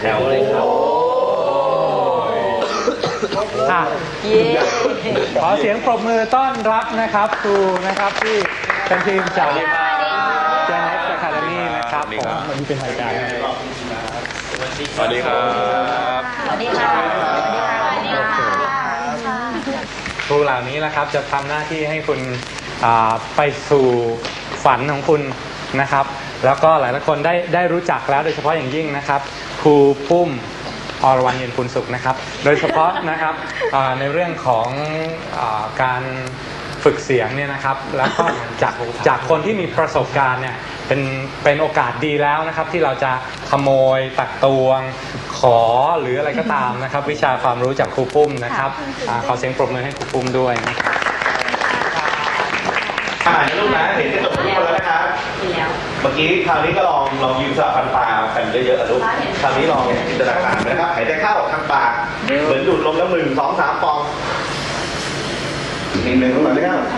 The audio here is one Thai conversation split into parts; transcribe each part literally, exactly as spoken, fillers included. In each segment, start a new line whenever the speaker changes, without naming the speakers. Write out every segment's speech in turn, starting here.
ถวเลยครับ
อ่ะขอเสียงปรบมือต้อนรับนะครับครูนะครับที่เป็นทีมจากเจเนสอะคาเดมี่นะครับผมวันนี้เป็นรายการ
สวัสดีครับ
สวัสดีค่ะสวัสดีค่ะสวัสดีค่ะ
ครูเหล่านี้นะครับจะทำหน้าที่ให้คุณไปสู่ฝันของคุณนะครับแล้วก็หลายๆคนได้ได้รู้จักแล้วโดยเฉพาะอย่างยิ่งนะครับครูปุ้มอรวรรณเย็นคุณสุขนะครับโดยเฉพาะนะครับในเรื่องของการฝึกเสียงเนี่ยนะครับแล้วก็จากจากคนที่มีประสบการณ์เนี่ยเป็นเป็นโอกาสดีแล้วนะครับที่เราจะขโมยตักตวงขอหรืออะไรก็ตามนะครับวิชาความรู้จากครูปุ้มนะครับขอเสียงปรบมือให้ครูปุ้มด้วยนะครับ
อ่านลูกนะเห็นกระจกทุกคนแล้วนะครับเมื่อกี้คราวนี้ก็ลองลองยืมสลับฟันปลากันเยอะๆลูกคราวนี้ลองจินตนาการนะครับหายใจเข้าทางปากเหมือนดูดลมแล้วหนึ่งสองสามฟองหนึ่งหนึ่งลงมาเลยครับ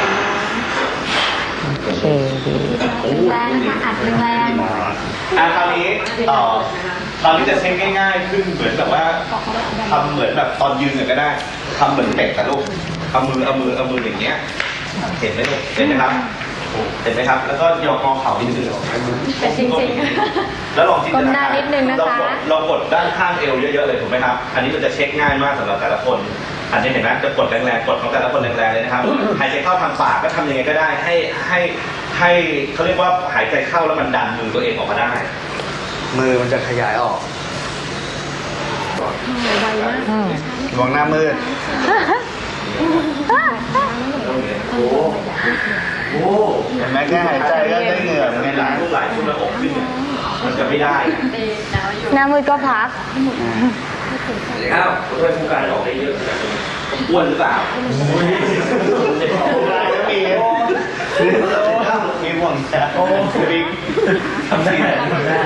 แรงนะคะอัดแรง
อ่ะคราวนี้ต่อคราวนี้จะเช็คง่ายๆขึ้นเหมือนแบบว่าทำเหมือนแบบตอนยืนก็ได้ทำเหมือนเป็ดกับลูกเอามือเอามือเอามืออย่างเงี้ยเห็นไหมลูกเห็นไหมครับเห็นไหมครับแล้วก็ยกงอเข่านิดนึง
เป็นจริง
ๆแล้วลองจินตนาการเรากดเรากดด้านข้างเอวเยอะๆเลยถูกไหมครับอันนี้มันจะเช็คง่ายมากสำหรับแต่ละคนอันนี้เห็นไหมจะกดแรงๆกดของแต่ละคนแรงๆเลยนะครับหายใจเข้าทางปากก็ทำยังไงก็ได้ให้ให้ให้เขาเรียกว่าหายใจเข้าแล้วมันดันมือตัวเองออกมาได้มือมันจะขยายออก
ไวมาก
มองหน้ามืดโอ้โหเห็นไหมแค่หายใจก็ได้เหงื่อในหลังทุกหลายชุดระอกขึ้นมันจะไม่ได้
หน้ามือก็พัก
เดี๋ยวครับผมช่วยผู้การออกได้เยอะอ้วนหรือเปล่ามีมีห่วงแฉโอ้บิ๊กทำได้ทำได้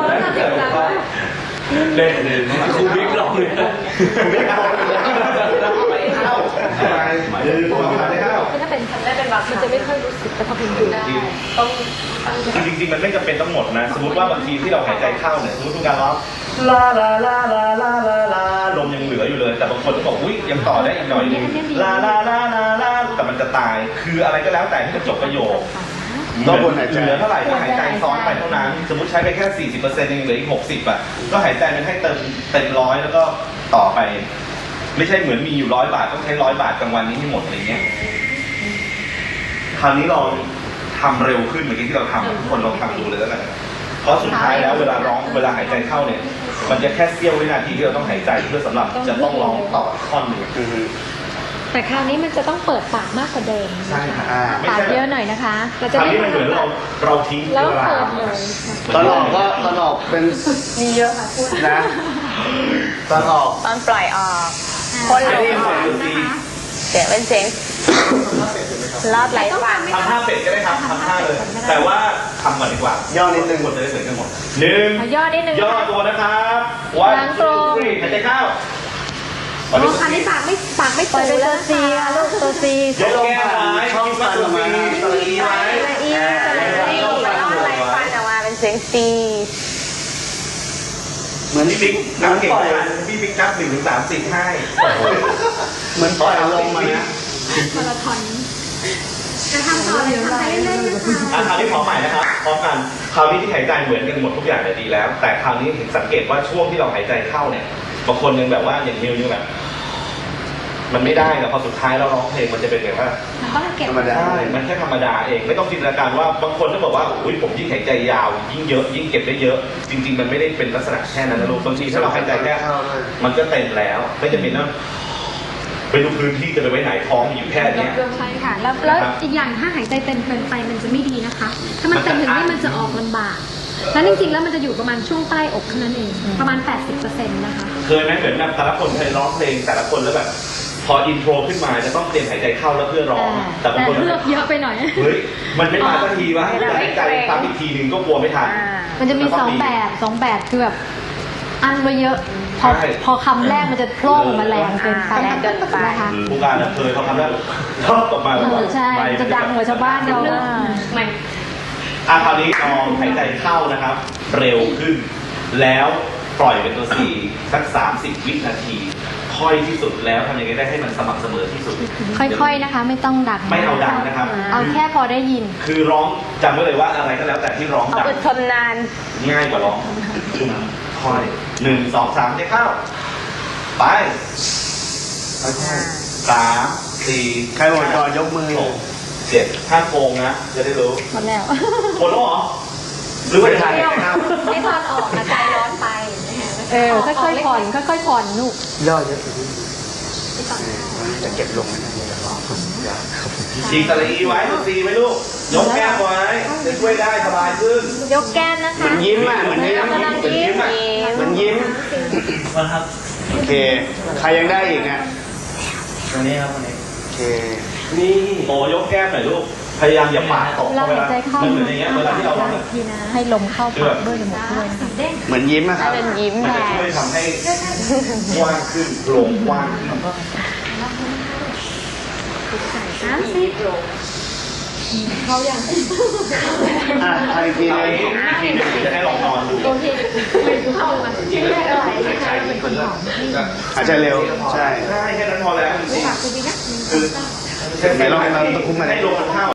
เล่นเลยครูบิ๊กลองเลยครูบิ๊กลองเลยเข้าไปเลยพวกเราได้เข้า
ถ้าเป็นทำได้เป็นวักมันจะไม่ค่อยรู้สึกแต่พอพิมพ์ดูได้ต้อง
จริงๆมันไม่จำเป็นต้องหมดนะสมมติว่าบางทีที่เราหายใจเข้าเนี่ยสมมติผู้การร้องลาลาลาลาลาลาลาลมยังเหลืออยู่เลยแต่บางคนก็บอกอุ้ยยังต่อได้อีกหน่อยนึงลาลาลาลาลาแต่มันจะตายคืออะไรก็แล้วแต่ที่จะจบประโยคต้องคนหายใจเหลือเท่าไหร่ก็หายใจซ้อนไปเท่านั้นสมมติใช้ไปแค่ สี่สิบเปอร์เซ็นต์ เองเหลืออีก หกสิบ อ่ะก็หายใจมันให้เติมเต็มร้อยแล้วก็ต่อไปไม่ใช่เหมือนมีอยู่ร้อยบาทต้องใช้ร้อยบาทกลางวันนี้ให้หมดอะไรเงี้ยคราวนี้ลองทำเร็วขึ้นเหมือนที่เราทำทุกคนลองทำดูเลยแล้วกันเพราะสุดท้ายแล้วเวลาร้องเวลาหายใจเข้าเนี่ยมันจะแค่เสี้ยววินาทีที่เราต้องหายใจเพื่อสำหรับจะต้องร้องต่อท่อนหนึ่ง
แต่คราวนี้มันจะต้องเปิดปากมากกว่าเดิม
ใช่ค่ะ
ปากเยอะหน่อยนะคะ
เราจะไม่เหมือนเราเราทิ้งเวลา
ตอนออกก็ตอนออกเป็น
มีเยอะค่ะพูด
นะตอนออก
ตอนปล่อยออกคนลงเสียงเป็นเสียงลอดไหลฟัน
ทำท่าเป็ดก็ได้ครับทำท่าเลยแต่ว่าทำก่อนดีกว่า
ย่อนิดนึง
หมดจะได้เหมือนกันหมดหนึ่ง
ย่อนิดนึง
ย่อตัวนะครับวันทูทรีหายใจเข้า
อ๋อคันนี้ปากไม่ปากไม่ตูแล้วตัวซีลูกตัวซี
ยกแก้มไว้ช่องฟันออกมาตัวอีไว้
อีอีลอดไหลฟันออกมาเป็นเสียงซี
เหมือนพี่บิ๊กนับเก่งมากพี่บิ๊กนับหนึ่งถึงสามสิบให้
เหมือนปล่อยลมมานะ
มาราธอนจะทำต่อเลยทำไปเรื่อยๆนะคะ
คราวนี้พร้อมใหม่นะครับพร้อมกันคราวนี้ที่หายใจเหมือนกันหมดทุกอย่างเนี่ยดีแล้วแต่คราวนี้เห็นสังเกตว่าช่วงที่เราหายใจเข้าเนี่ยบางคนยังแบบว่าอย่างนิวยังแบบมันไม่ได้นะพอสุดท้ายเราร้องเพลงมันจะเป็นแบบว่า
ธรรมดา
มันแค่ธรรมดาเองไม่ต้องจินตนาการว่าบางคนก็บอกว่าอุ้ยผมยิ่งหายใจยาวยิ่งเยอะยิ่งเก็บได้เยอะจริงๆมันไม่ได้เป็นลักษณะแค่นั้นนะลูกบางทีถ้าเราหายใจแค่มันก็เต็มแล้วไม่จะเป็นว่าไปดูพื้นที่จะไปไว้ไหนท้องอยู่แค่นี้
ใช่ค่ะแล้วแล้วอีกอย่างถ้าหายใจเต็มเกินไปมันจะไม่ดีนะคะถ้ามันเต็มถึงนี่มันจะออกลำบากแล้วจริงๆแล้วมันจะอยู่ประมาณช่วงใต้อกเท่านั้นเองประมาณ แปดสิบเปอร์เซ็นต์ นะคะ
เคยไหมเหมือนแบบแต่ละคนเคยร้องเพลงแต่ละคนแล้วแบบพออินโทรขึ้นมาจะต้องเตรียมหายใจเข้าแล้วเพื่อร้อง
แต่บางคนเลือกเยอะไปหน่อย
เฮ้ยมันไม่มาสักทีวะหายใจซ้ำอีกทีหนึ่งก็กลัวไม่ทัน
มันจะมีสองแบบสองแบบคือแบบอันไว้เยอะพอพอคำแรกมันจะโผล่มาแรงเกินไปแรงเกินไปนะคะ
ผู้การเคยพอคำแรกชอบออกมาแบบว่า
ใช่จะดังกว่าชาวบ้านเราไม่
อ่ะคราวนี้ลองหายใจเข้านะครับเร็วขึ้นแล้วปล่อยเป็นตัวสี่สักสามสิบวินาที ค่อยที่สุดแล้วทำยังไงได้ให้มันสม่ำเสมอที่สุด
ค่อยๆนะคะ ไม่ต้องดัง
ไม่เอาดังนะครับ
เอาแค่พอได้ยิน
คือร้องจำไว้เลยว่าอะไรก็แล้วแต่ที่ร้อง
เอา
ดัง
อดทนนาน
ง่ายกว่าร้องค่อยหนึ่งสองสามเจ๊เข้าไปสามสี่
ใครหมดก่อนยกมือ
หกเจ็ดห้าโกงนะจะได้รู้
หมดแล้ว
หมดแล้วเหรอหรือว่าจะถ่ายครับ
ไม่ตอนออกนะใจร้อนไป
เออ ค่อยๆผ่อน ค่อยๆผ่อนลูก
ย่อเยอะจะเก็บลงนะ
ฉีกตะลีไว้ตัวซีไว้ลูกยกแก้มไว้จะช่วยได้สบายขึ้น
ยกแก้มนะคะ
เหมือนยิ้มอ่ะเหมือนยิ้ม
กำลังยิ้ม
เหมือนยิ้มโอเค ใครยังได้อีกอ่ะ
วันนี้ครับวันนี้
โอเค
นี่โอยกแก้มหน่อยลูกพยายามอย่าปากตก
เวลาหายใจเข้า
มันเหมือนอย่างเงี้ยเวลาที่เราร้อง
อีกทีนะ ให้ลมเข้าปากด้วยจมูกด้วยนะคะ
เหมือนยิ้มอะค
ให้
รับ
เป็นยิ้ม
มัน
แห
จะ
ละ
ช่วยทำให้กว้างขึ้นโปร่งกว้างขึ้น
สามสิบเขาอย่าง
อ่ะใครอีกที
ที
นึง
ทีนึงจะให้ลองนอนดู
โอเคไม่เข้ามาไม่ได้อะไรนะคะเป็นคนหอม
หายใจเร็ว ใช่
ใช่แค่นั้นพอแล้วจริง
ฝากคุณพี่นะ
ๆคือ
ไหนลองให้เราตะคุ่มมา
ให้ลมมันเข้า